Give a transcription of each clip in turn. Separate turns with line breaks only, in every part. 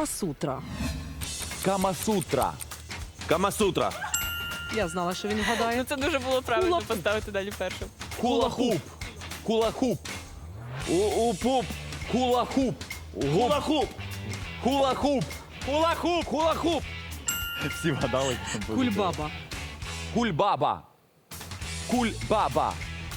Камасутра.
Камасутра.
Камасутра.
Я знала, що він вгадає.
Ну це дуже було правильно
Кулак-
поставити далі першим.
Кулахуп. Кулахуп. Упуп. Кулахуп.
Гулахуп.
Кулахуп.
Хулахуп. Хулахуп.
Всі вгадали.
Кульбаба.
Кульбаба. Кульбаба.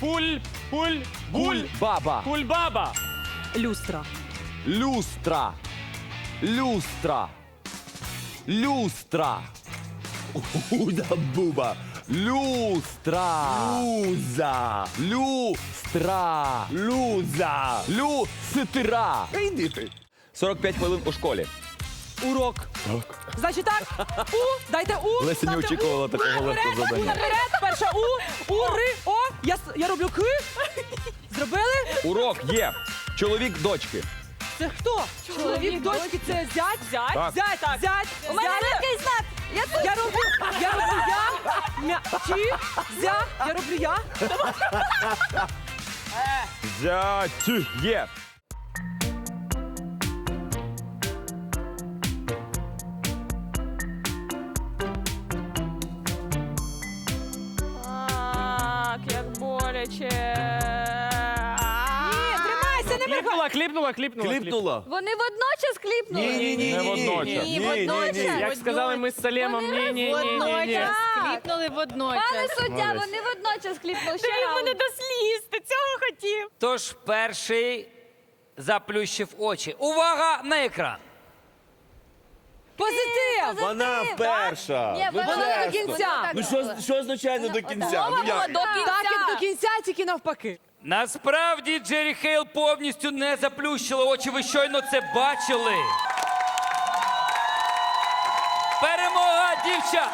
Кульбаба.
Кульбаба.
Люстра.
Люстра. Люстра. Люстра.
Уда-буба.
Люстра.
Луза.
Люстра.
Луза.
Люстра.
Іди ти.
45 хвилин у школі.
Урок. Значить так. У. Дайте у.
Леся не
ставте
очікувала
у.
такого легкого
Наперед,
завдання.
наперед. Перша у. У, ри, о. Я роблю к. Зробили?
Урок є. Чоловік дочки.
Це хто? Чоловік дочки, це зять?
Зять?
Так.
Зять, зять.
У мене такий знак.
Я роблю я. Чи, зя. Я роблю я.
Зять є.
Так, як боляче.
Тримайся, не мигай.
Кліпнула.
Вони водночас кліпнули?
Ні.
Не водночас.
Ні, водночас.
Як сказали ми з Салемом, ні.
Водночас.
Кліпнули водночас.
Пане суддя, вони водночас кліпнули. Ще
Ти
раунд.
мене до сліз, ти цього хотів.
Тож перший заплющив очі. Увага на екран!
Позитив.
Вона перша.
Ні,
Ну,
вона
чесно.
до кінця.
Ну що означає не до кінця? Ну як?
До кінця.
Так, як до кінця, тільки навпаки.
Насправді Джері Хейл повністю не заплющила очі. Ви щойно це бачили. Перемога дівчат!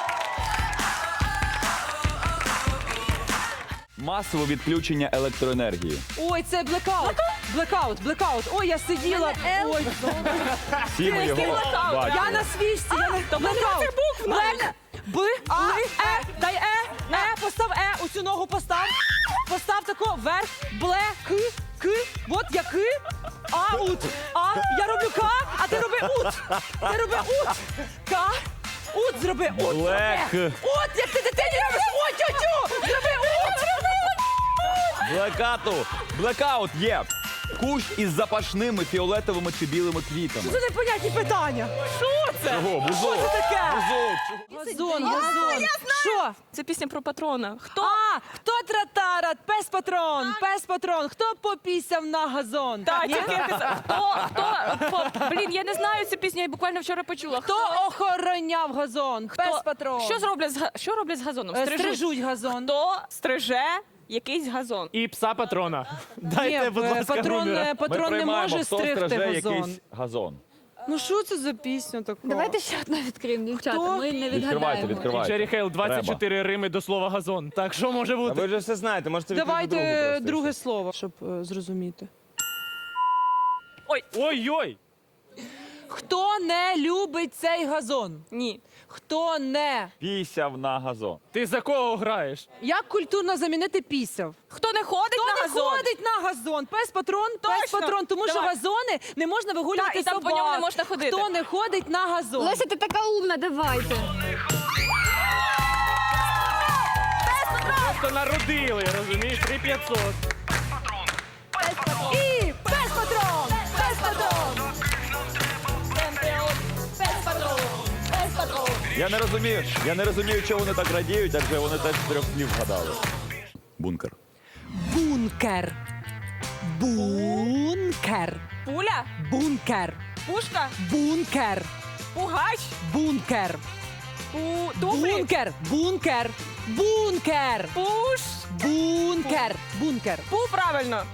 Масове відключення електроенергії.
Ой, це блекаут. Блекаут. Ой, я сиділа. Ой,
Всі ми його
я
бачили.
на свічці. Блекаут. Блек. Б, Ли, Дай постав у цю ногу постав. Постав тако, вверх, бле, к. Вот я к, аут. Я роблю к, а ти роби ут. Ти роби ут. К, ут зроби, ут.
Блек.
От, як ти дитині робиш, ой, тю-тю. Зроби ут.
Блекату. Блекаут є. Кущ із запашними фіолетовими чи білими квітами.
Це непонятні питання. Що це?
Чого? Бузок.
Що це таке?
Бузок.
Газон. Що?
Це пісня про патрона. Хто?
Хто тратарат? Пес-патрон. Хто попісяв на газон?
Так,
Ні?
тільки Блін, я не знаю цю пісню, я буквально вчора почула.
Хто охороняв газон? Пес-патрон.
Що роблять з газоном?
Стрижуть газон.
Хто стриже якийсь газон?
І пса патрона.
Ні,
Дайте, будь ласка,
патрон
Руміра.
не
Ми
може
хто
стригти
стриже
газон.
якийсь газон.
Ну що це за пісня така?
Давайте ще одну відкриємо, дівчата.
Хто?
Ми не
Відкривайте,
відгадаємо.
Джері Хейл, 24 рими до слова газон. Так, що може
А
бути?
ви вже все знаєте, можете відкрити другу
Давайте
просто.
друге слово, щоб зрозуміти.
Ой-ой!
Хто не любить цей газон?
Ні.
Хто не?
Пісяв на газон.
Ти за кого граєш?
Як культурно замінити пісяв?
Хто не ходить
Хто
на
не
газон?
ходить на газон? Пес-патрон, пес-патрон, тому що
Давай.
газони не можна вигулювати
Так, і там по
собак.
ньому не можна ходити.
Хто не ходить на газон?
Леся, ти така умна, давайте.
Просто народили, розумієш? 3500.
І пес-патрон! Пес-патрон!
Я не розумію, чого вони так радіють, адже вони теж з 3 слів вгадали. Бункер.
Бункер. Бункер.
Пуля?
Бункер.
Пушка?
Бункер.
Пугач?
Бункер.
Туфлі?
Бункер. Бункер. Бункер.
Пуш?
Бункер. Бункер.
Пу, правильно.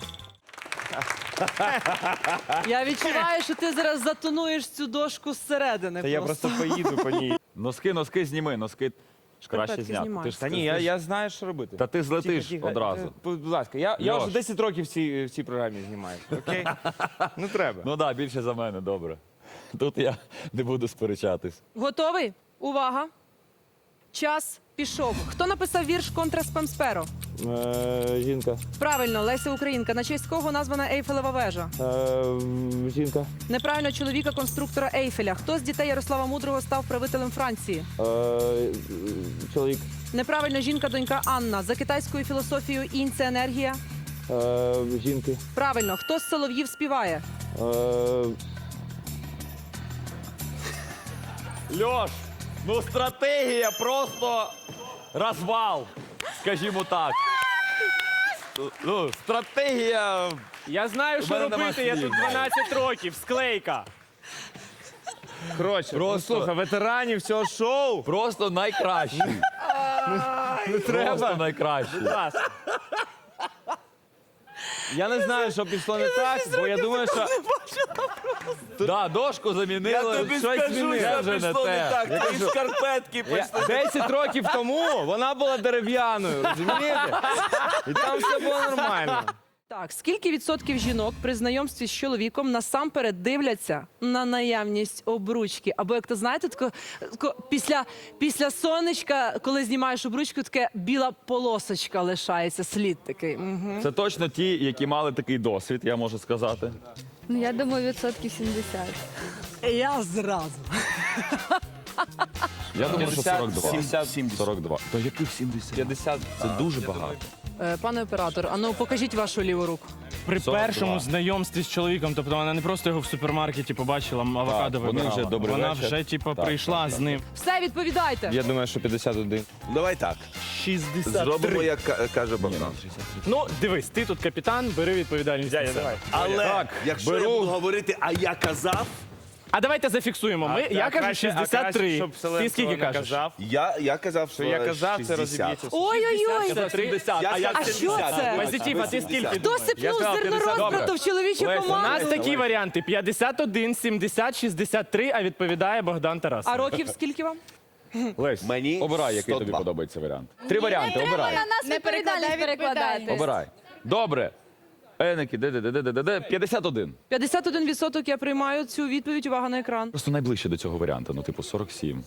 Я відчуваю, що ти зараз затонуєш цю дошку зсередини.
Та я просто поїду по ній.
Носки зніми, носки краще
Шкарпетки
зняти.
знімай.
Ти ж
Та ні, я знаю, що робити.
Та ти злетиш
Тихо, тихо.
одразу.
Будь ласка, я
Льош.
вже 10 років в цій програмі знімаю. Окей? Ну треба.
Ну так, більше за мене, добре. Тут я не буду сперечатись.
Готовий? Увага. Час пішов. Хто написав вірш «Контра Спамсперо»?
Жінка.
Правильно, Леся Українка. На честь кого названа Ейфелева вежа?
Жінка.
Неправильно, чоловіка конструктора Ейфеля. Хто з дітей Ярослава Мудрого став правителем Франції?
Чоловік.
Неправильно, жінка-донька Анна. За китайською філософією інь – це енергія.
Жінки.
Правильно, хто з солов'їв співає?
Льош, ну стратегія просто розвал, скажімо так. Ну, стратегія.
Я знаю,
У
що
мене нема
робити, я
слів.
тут 12 років, склейка. Коротше,
Просто-
слухай, ветеранів цього шоу.
Просто найкращий.
Не
Просто найкращий.
Я не знаю, що пішло не так, бо я думаю, що
Да, дошку замінили.
щось змінили.
Це вже не те. Я кажу,
Шкарпетки
10 років тому вона була дерев'яною, розумієте? І там все було нормально.
Так, скільки відсотків жінок при знайомстві з чоловіком насамперед дивляться на наявність обручки? Або, як то знаєте, після сонечка, коли знімаєш обручку, таке біла полосочка лишається, слід такий. Угу.
Це точно ті, які мали такий досвід, я можу сказати.
Ну, я думаю, 70%.
Я зразу.
Я думаю, що 42.
70.
42. То яких 70?
50.
Це дуже багато.
Пане оператор, а ну покажіть вашу ліву руку.
При
42.
першому знайомстві з чоловіком, тобто вона не просто його в супермаркеті побачила, авокадо
вони
вибирала.
вже добрий
Вона
вечір.
вже, типу,
Так,
прийшла з ним.
Все, відповідайте.
Я думаю, що 51.
Давай так.
63.
Зробимо, як каже Богдан.
Ну, дивись, ти тут капітан, бери відповідальність на себе.
Але
Так,
якщо
беру.
я буду говорити, а я казав,
А давайте зафіксуємо. Я кажу 63. Ти скільки кажеш?
я казав, що
я казав, це
60.
розіб'ється.
Ой-ой-ой.
70.
Я
А я
А що це?
Позитив, а ти скільки?
Хто
думаєш?
сипнув
сказав
зерно
50.
розбрату в чоловічу
У нас
команду?
такі варіанти: 51, 70, 63, а відповідає Богдан Тарас.
А років скільки вам?
Лесь,
Мені
обирай, який
102.
тобі подобається варіант. 3 варіанти, обирай.
На нас відповідальність перекладати.
Обирай. Добре. Еники, де. 51.
51% я приймаю цю відповідь. Увага на екран.
Просто найближче до цього варіанту, ну типу 47.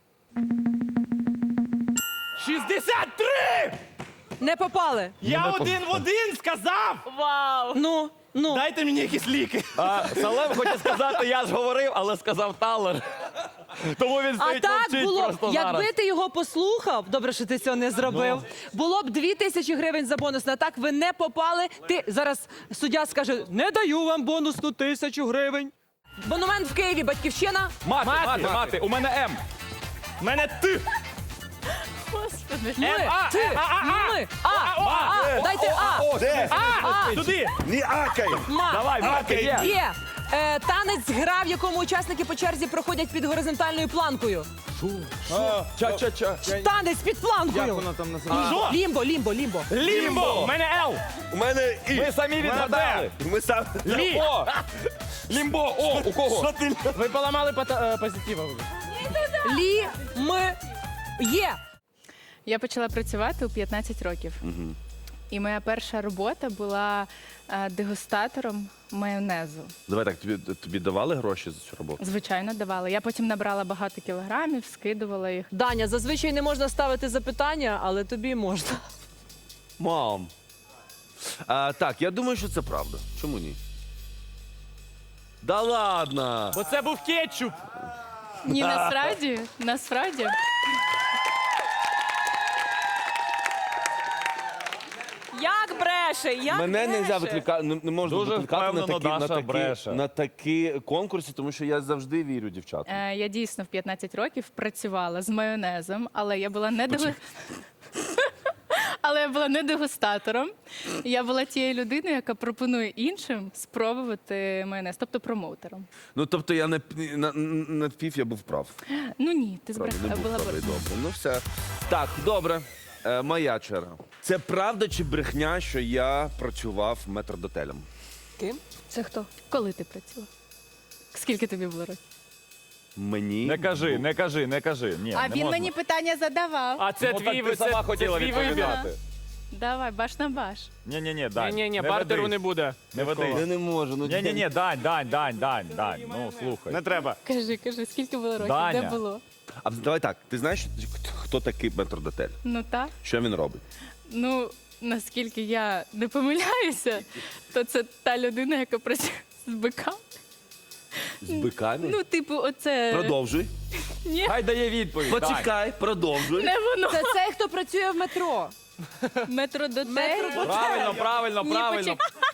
63!
Не попали.
Я один в один сказав!
Ну.
Дайте мені якісь ліки.
Салем хотів сказати, я ж говорив, але сказав Талер. Тому він
А
стоїть
так
мовчить
було б,
просто зараз.
якби ти його послухав, добре, що ти цього не зробив, було б 2000 гривень за бонус. А так ви не попали. Ти зараз суддя скаже, не даю вам бонусну 1000 гривень. Монумент в Києві, батьківщина.
Мати, у мене М.
В мене ти!
Ми, ти, ми, дайте А,
Де?
Туди!
Не акай!
ма.
Давай, Мати, є.
Є. Танець гра, в якому учасники по черзі проходять під горизонтальною планкою.
Ча-ча-ча.
Танець під планкою.
Як воно там називається?
Лімбо, лімбо, лімбо.
Лімбо! У мене Л!
У мене і.
Ми самі відгадали.
Ми сам.
Лі!
О! Лімбо, о, у кого?
Ви поламали позитива.
Є.
Я почала працювати у 15 років. І моя перша робота була дегустатором майонезу.
Давай так, тобі давали гроші за цю роботу?
Звичайно, давала. Я потім набрала багато кілограмів, скидувала їх.
Даня, зазвичай не можна ставити запитання, але тобі можна.
Мам. Так, я думаю, що це правда. Чому ні? Да ладно!
Бо це був кетчуп.
Ні, насправді.
Як бреше? Як
Мене
бреше?
не можна
Дуже
викликати на
впевнено Даша бреше.
на такі конкурси, тому що я завжди вірю дівчатам.
Я дійсно в 15 років працювала з майонезом, але я була не Але я була не дегустатором. Я була тією людиною, яка пропонує іншим спробувати майонез, тобто промоутером.
Ну, тобто я на пів я був прав.
Ну ні, ти
Правда, не
збрехала.
був
Була
правий, добре. Ну все. Так, добре. Моя черга. Це правда чи брехня, що я працював метрдотелем?
Це хто?
Коли ти працював? Скільки тобі було років?
Мені
Не кажи. Ні,
А
не
він
можна.
мені питання задавав.
А це
Ну,
твій
так ти сама хотіла
твій вибір.
відповідати.
Давай, баш на баш.
Ні, Дань.
Ні, бартеру
ведись.
не буде.
Не ведись.
Я не можу. Ну,
Ні, Дань. Ну, слухай.
Не треба.
Кажи, скільки було років?
Даня.
Де було?
А давай так, ти знаєш, хто такий метрдотель?
Ну так.
Що він робить?
Ну, наскільки я не помиляюся, то це та людина, яка працює з биками.
З биками?
Ну, типу, оце
Продовжуй.
Хай дає відповідь. Давай.
Почекай, продовжуй.
не воно.
Це цей, хто працює в метро.
Метродотель.
Правильно, правильно,
Ні,
правильно.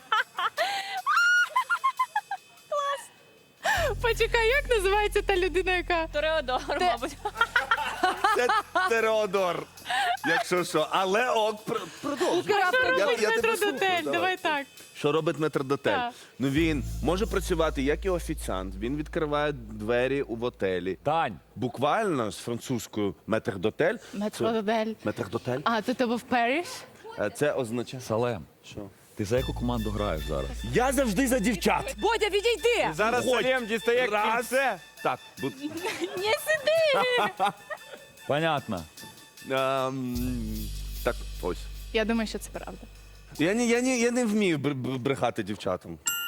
Почекай, як називається та людина, яка.
Тореодор, мабуть.
Це Тереодор. Якщо що. Але продовжуй.
Робить
я тебе слухаю,
метродотель, давай так.
Що робить метрдотель?
Так.
Ну він може працювати як і офіціант. Він відкриває двері у готелі.
Тань.
Буквально з французькою метрдотель.
Метродотель.
Метрдотель.
А, то ти був в Париж?
Це означає.
Салем,
Що?
ти за яку команду граєш зараз?
Я завжди за дівчат.
Бодя, відійди!
Зараз
Ходь.
Салєм дістає
Раз.
кільце.
Так,
Не сиди!
Понятно.
так, ось.
Я думаю, що це правда.
Я не вмію брехати дівчатам.